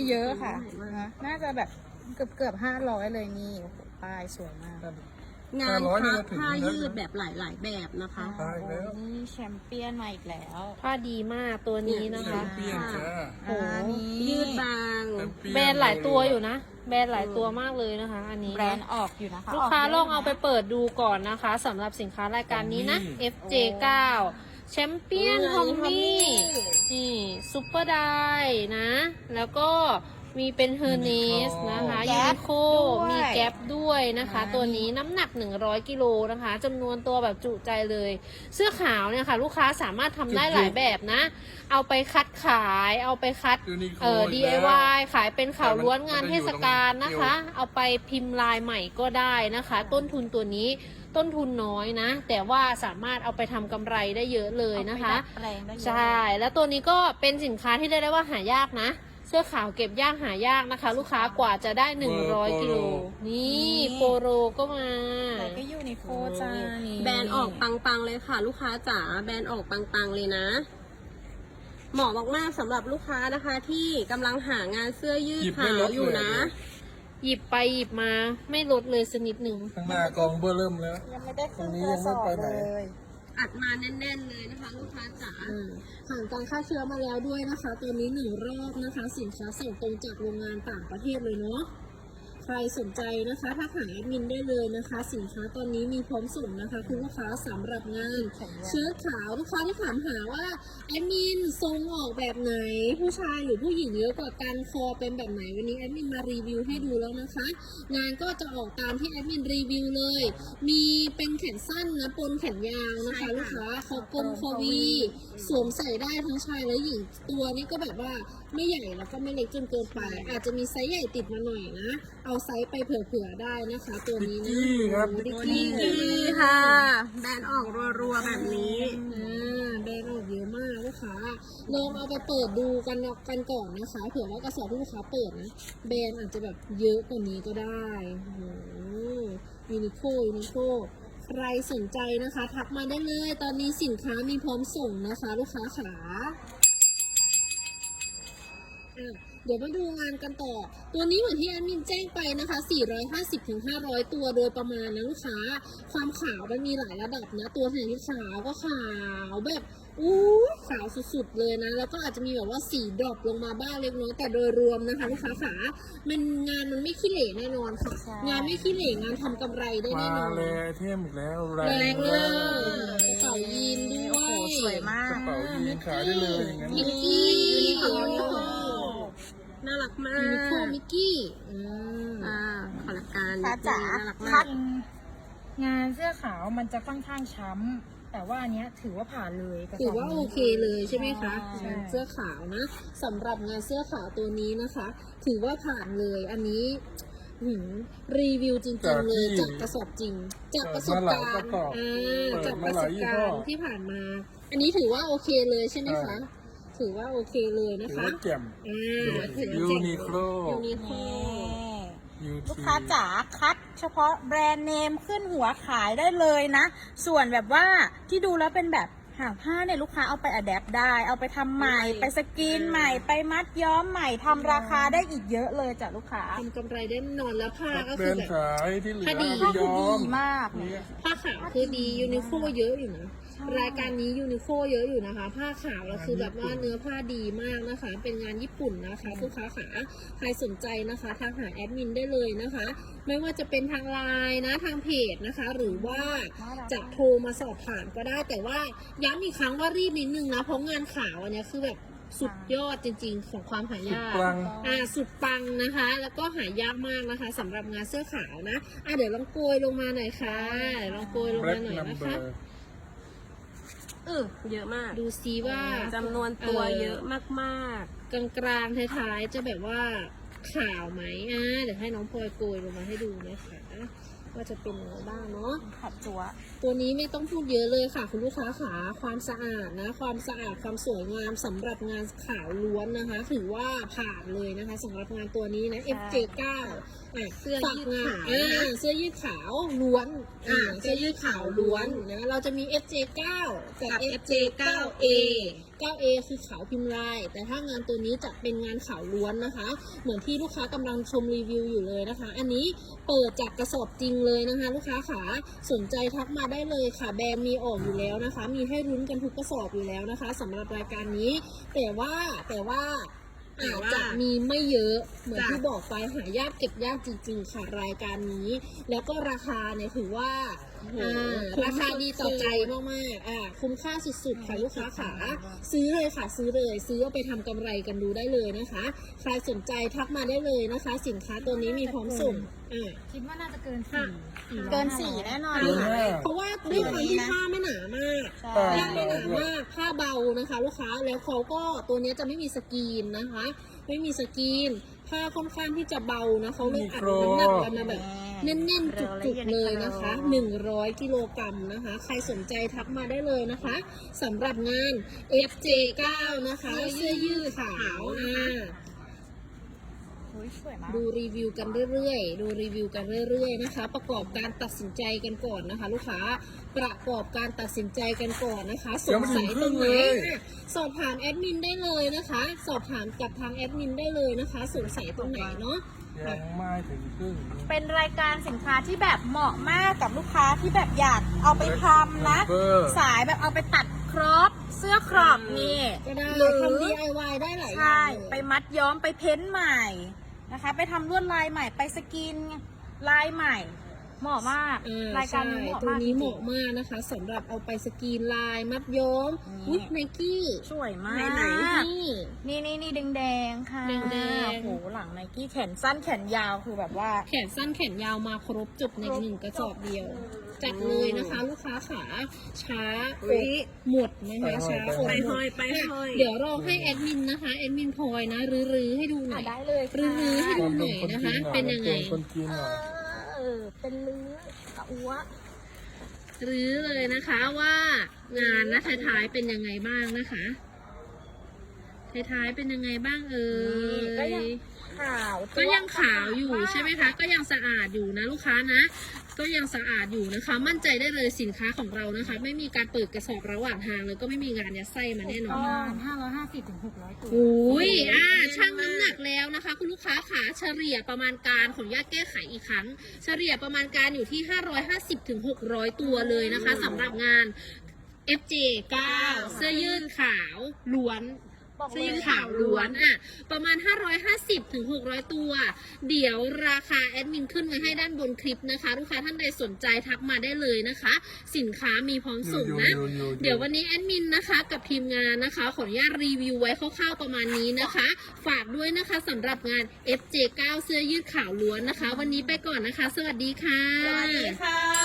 เยอะค่ะนะน่าจะแบบเกือบ500เลยนี่โอ้โหป้ายสวยมากงานผ้ายืดแบบหลายๆแบบนะคะโอ้โหนี่แชมเปี้ยนมาอีกแล้วผ้าดีมากตัวนี้นะคะเปลี่ยนจ้าโอ้โหยืดบางแบรนด์หลายตัวอยู่นะ แบรนด์หลายตัวมากเลยนะคะ อันนี้แบรนด์ออกอยู่นะคะลูกค้ากยะลองเอาไปเปิดดูก่อนนะคะสำหรับสินค้ารายการนี้นะ FJ9 แชมเปี้ยนทอมมี่นี่ซุปเปอร์ไดนะ แล้วก็มีเป็นเฮอร์เนสนะคะยูนิโคมีแก๊ปด้วยนะคะ ตัวนี้น้ำหนัก100 กิโลนะคะจำนวนตัวแบบจุใจเลย เสื้อขาวเนี่ยค่ะ ลูกค้าสามารถทำได้หลายแบบนะ เอาไปคัดขายเอาไปคัดDIY ขายเป็นข่าวล้วนงานเทศกาลนะคะ เอาไปพิมพ์ลายใหม่ก็ได้นะคะ ต้นทุนตัวนี้ต้นทุนน้อยนะ แต่ว่าสามารถเอาไปทำกำไรได้เยอะเลยนะคะเอาไปดัดแปลงได้เยอะใช่ แล้วตัวนี้ก็เป็นสินค้าที่เรียกได้ว่าหายากนะ เสื้อขาวเก็บยากหายากนะคะ ลูกค้ากว่าจะได้100 กิโลนี่โปโรก็มาแต่ก็ยูนิโคจ้านี่แบรนด์ออกปังๆเลยค่ะ ลูกค้าจ๋าแบรนด์ออกปังๆเลยนะ เหมาะมากๆสำหรับลูกค้านะคะที่กำลังหางานเสื้อยืดขาวอยู่นะหยิบไปหยิบมาไม่ลดเลยสักนิดหนึ่งข้างหน้ากองเบอร์เริ่มแล้วยังไม่ได้ขึ้นตรงนี้กระสอบยังไม่ไปไหนเลยอัดมาแน่นๆเลยนะคะ ลูกค้าจ๋าผ่านการฆ่าเชื้อมาแล้วด้วยนะคะ ตัวนี้1 รอบนะคะ สินค้าส่งตรงจากโรงงานต่างประเทศเลยเนาะใครสนใจนะคะถ้าหาแอดมินได้เลยนะคะ สินค้าตอนนี้มีพร้อมส่งนะคะคุณลูกค้าสำหรับงานเชิ้ตขาวลูกค้าที่ถามหาว่าแอดมินทรงออกแบบไหน ผู้ชายหรือผู้หญิงเยอะกว่ากันคอเป็นแบบไหนวันนี้แอดมินมารีวิวให้ดูแล้วนะคะ งานก็จะออกตามที่แอดมินรีวิวเลย มีเป็นแขนสั้นนะปนแขนยาวนะคะ ลูกค้าคอกลมคอวีสวมใส่ได้ทั้งชายและหญิงตัวนี้ก็แบบว่าไม่ใหญ่แล้วก็ไม่เล็กจนเกินไป อาจจะมีไซส์ใหญ่ติดมาหน่อยนะเอาไซส์ไปเผื่อๆได้นะคะ ตัวนี้นะดิกกี้ครับดิกกี้นี่ค่ะ แบรนด์ออกรัวๆแบบนี้แบรนด์ออกเยอะมากลูกค้าลองเอาไปเปิดดูกันก่อนนะคะเผื่อว่ากระสอบที่ลูกค้าเปิดนะแบรนด์อาจจะแบบเยอะกว่านี้ก็ได้โอ้โหยูนิโคใครสนใจนะคะทักมาได้เลยตอนนี้สินค้ามีพร้อมส่งนะคะลูกค้าขาเดี๋ยวมาดูงานกันต่อ ตัวนี้เหมือนที่แอดมินแจ้งไปนะคะ 450-500 ตัวโดยประมาณนะลูกค้า ความขาวมันมีหลายระดับนะ ตัวไหนที่ขาวก็ขาวแบบขาวสุดๆเลยนะ แล้วก็อาจจะมีแบบว่าสีดรอปลงมาบ้างเล็กน้อยแต่โดยรวมนะคะลูกค้าขางานมันไม่ขี้เหร่แน่นอนค่ะ งานไม่ขี้เหร่งานทำกำไรได้มาแน่นอนเลยเทมอีกแล้วแรงเลยกระเป๋ายีนด้วโอ้โหยสวยมากกระเป๋ายีนขายได้เลยอย่างนั้นมิกกี้น่ารักมายูนิโคกมิกกี้ขอละการค่ะจ๋าน่ารักคัมาดกงานเสื้อขาวมันจะค่อนข้างช้ำแต่ว่าอันเนี้ยถือว่าผ่านเลยกระสบถือว่าโอเคเลยใช่ไหมคะใช่เสื้อขาวนะสำหรับงานเสื้อขาวตัวนี้นะคะ ถือว่าผ่านเลยอันนี้รีวิวจริงๆเลยจากกระสอบจริง จากประสบการณ์จากประสบการณ์ที่ผ่านมา อันนี้ถือว่าโอเคเลยใช่ไหมคะถือว่าโอเคเลยนะถือคะว่าแจ่ม ยูนิโคลยูนิโคลูกค้าจ๋าคัดเฉพาะแบรนด์เนมขึ้นหัวขายได้เลยนะ ส่วนแบบว่าที่ดูแล้วเป็นแบบหางผ้าเนี่ยลูกค้าเอาไปอะแดปได้ เอาไปทำใหม่ไปสกรีนใหม่ไปมัดย้อมใหม่ทำราคาได้อีกเยอะเลยจ้ะลูกค้าทำกำไรได้แน่นอนแล้วผ้าก็แบรคือนด์แบบขายที่เหลือถ้าดีไปยอมมากเนี่ยผ้าขาวคือดียูนิโคเยอะอยู่นะรายการนี้ยูนิโคเยอะอยู่นะคะ ผ้าขาวแล้วคือแบบว่าเนื้อผ้าดีมากนะคะ เป็นงานญี่ปุ่นนะคะลูกค้าขาใครสนใจนะคะทักหาแอดมินได้เลยนะคะ ไม่ว่าจะเป็นทางไลน์นะทางเพจนะคะ หรือว่าจะโทรมาสอบถามก็ได้ แต่ว่าย้ำอีกครั้งว่ารีบนิดนึงนะเพราะงานขาวอันเนี้ยคือแบบสุดยอดจริงๆของความหายากสุดปังสุดปังนะคะ แล้วก็หายากมากนะคะสำหรับงานเสื้อขาวนะเดี๋ยวลองโกยลงมาหน่อยค่ะเดี๋ยวลองโกยลงแบล็มาก หน่อยนัมนะเบอคะร์เยอะมากดูซิว่าจำนวนตัวเยอะมากกลางๆท้ายๆจะแบบว่าขาวไหมเดี๋ยวให้น้องพลอยโกยลงมาให้ดูนะคะว่าจะเป็นยังไงบ้างเนาะขัดจัวตัวนี้ไม่ต้องพูดเยอะเลยค่ะคุณลูกค้าขาความสะอาดนะความสะอาดความสวยงามสำหรับงานขาวล้วนนะคะ ถือว่าผ่านเลยนะคะสำหรับงานตัวนี้นะ FJ9 เสื้อยืดขาวเสื้อยืดขาวล้วนเสื้อยืดขาวล้วนนะเราจะมี FJ9 กับ FJ9A 9A คือขาวพิมพ์ลาย แต่ถ้างานตัวนี้จะเป็นงานขาวล้วนนะคะ เหมือนที่ลูกค้ากำลังชมรีวิวอยู่เลยนะคะ อันนี้เปิดจากกระสอบจริงเลยนะคะ ลูกค้าขาสนใจทักมาได้เลยค่ะแบรนด์มีออกอยู่แล้วนะคะ มีให้รุ้นกันทุกกระสอบอยู่แล้วนะคะสำหรับรายการนี้ แต่ว่าอาจจะมีไม่เยอะเหมือนที่บอกไปหายากเก็บยากจริงๆค่ะรายการนี้ แล้วก็ราคาเนี่ยถือว่าราคาดีต่อใจมากๆคุ้มค่าสุดๆค่ะลูกค้าขาซื้อเลยค่ะซื้อเลยซื้อเอาไปทำกำไรกันดูได้เลยนะคะใครสนใจทักมาได้เลยนะคะ สินค้าตัวนี้มีพร้อมส่งคิดว่าน่าจะเกิน4เกิน4แน่นอนเกินค่ะ 5 เพราะว่าด้วยความที่ผ้าไม่หนามากใช่ผ้าไม่หนามากผ้าเบานะคะ ลูกค้าแล้วเขาก็ตัวนี้จะไม่มีสกรีนนะคะ ไม่มีสกรีนผ้าค่อนข้างที่จะเบานะเขาเลยอัดน้ำหนักกันมาแบบแน่นๆจุกๆเลยนะคะ100 กิโลกรัมนะคะ ใครสนใจทักมาได้เลยนะคะสำหรับงาน FJ9 นะคะเสื้อยืดขาวสวยมากดูรีวิวกันเรื่อยๆนะคะ ประกอบการตัดสินใจกันก่อนนะคะ ลูกค้าประกอบการตัดสินใจกันก่อนนะคะสงสัยตรงไหนสอบถามแอดมินได้เลยนะคะ สอบถามกับทางแอดมินได้เลยนะคะสงสัยตรงไหนเนาะยังไม่ถึงครึ่งเป็นรายการสินค้าที่แบบเหมาะมากกับลูกค้าที่แบบอยากเอาไปทำนะ สายแบบเอาไปตัดครอปเสื้อครอปนี่ก็ได้หรือทำ DIY ได้หลายอย่าใช่งเลยไปมัดย้อมไปเพ้นท์ใหม่นะคะ ไปทำลวดลายใหม่ไปสกินลายใหม่ เหมาะมาก รายการนี้เหมาะตัวมากนี้จเหริงมาะมากนะคะสำหรับเอาไปสกรีนลายมัดย้อมนี่วิกไนกี้ๆสวยมากไหนๆนี่นี่แดงๆค่ะแดงๆโอ้โหหลังไนกี้แขนสั้นแขนยาวคือแบบว่าแขนสั้นแขนยาวมาครบจบในหนึ่งกระสอบเดียว จัดเลยนะคะ ลูกค้าขาช้าอดหมดนะคะช้าอดหมดเดี๋ยวรอให้แอดมินนะคะแอดมินพลอยนะรื้อให้ดูหน่อยได้เลยค่ะรื้อให้ดูหน่อยนะคะ เป็นยังไงคนจีนหน่อยเป็นลื้อกะอัวรื้อเลยนะคะว่างานนะท้ายๆเป็นยังไงบ้างนะคะท้ายๆเป็นยังไงบ้างเอ่ยก็ยังขาวก็ยังขาวอยู่ใช่ไหมคะ ก็ยังสะอาดอยู่นะลูกค้านะ ก็ยังสะอาดอยู่นะคะ มั่นใจได้เลยสินค้าของเรานะคะ ไม่มีการเปิดกระสอบระหว่างทางเลยก็ไม่มีงานยัดไส้มาแน่นอน 550 ถึง 600 ตัวอุ้ยช่างน้ำหนักแล้วนะคะ คุณลูกค้าขาเฉลี่ยประมาณการของญาติแก้ไขอีกครั้ง เฉลี่ยประมาณการอยู่ที่550 ถึง 600 ตัวเลยนะคะสำหรับงาน FJ9 เสื้อยืดขาวล้วนเสื้อยืดขาวล้วนประมาณ550 ถึง 600 ตัว เดี๋ยวราคาแอดมินขึ้นไว้ให้ด้านบนคลิปนะคะ ลูกค้าท่านใดสนใจทักมาได้เลยนะคะ สินค้ามีพร้อมส่งนะ เดี๋ยววันนี้แอดมินนะคะกับทีมงานนะคะขออนุญาตรีวิวไว้คร่าวๆประมาณนี้นะคะ ฝากด้วยนะคะสำหรับงาน FJ9 เสื้อยืดขาวล้วนนะคะ วันนี้ไปก่อนนะคะ สวัสดีค่ะสวัสดีค่ะ